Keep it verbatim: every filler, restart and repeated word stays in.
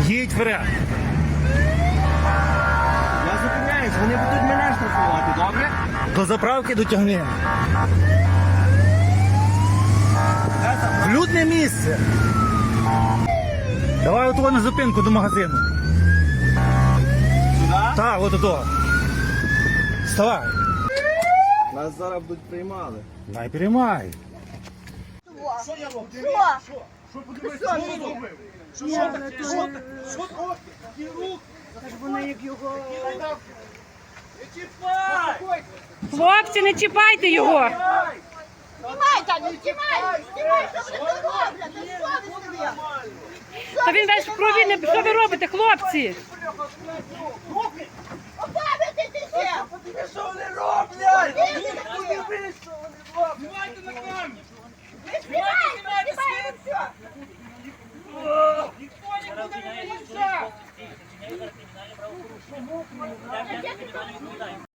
Їдь вперед. Я зупиняюсь, вони будуть мене штрафувати, добре? До заправки дотягни. В людне місце. Давай отого на зупинку до магазину. Сюди? Так, от ото. Вставай. Нас зараз будуть приймали. Дай переймай. Що я роблю? Що? Що подивись, що я зробив? Що, що таке? Що таке? Що таке? Які руки? Так вони як його... Не чіпай! Хлопці, не чіпайте його. Знімай, Таня, знімай! Знімай, що вони тут роблять? Ти совість тобі! Та він весь в крові, не- що ви робите, хлопці? Опам'ятайтеся! Подивись, що вони роблять! Подивись, Подивись, що вони роблять! Знімайте на камеру! Ви знімайте, знімайте все! Ніхто нікуди не виїжджав!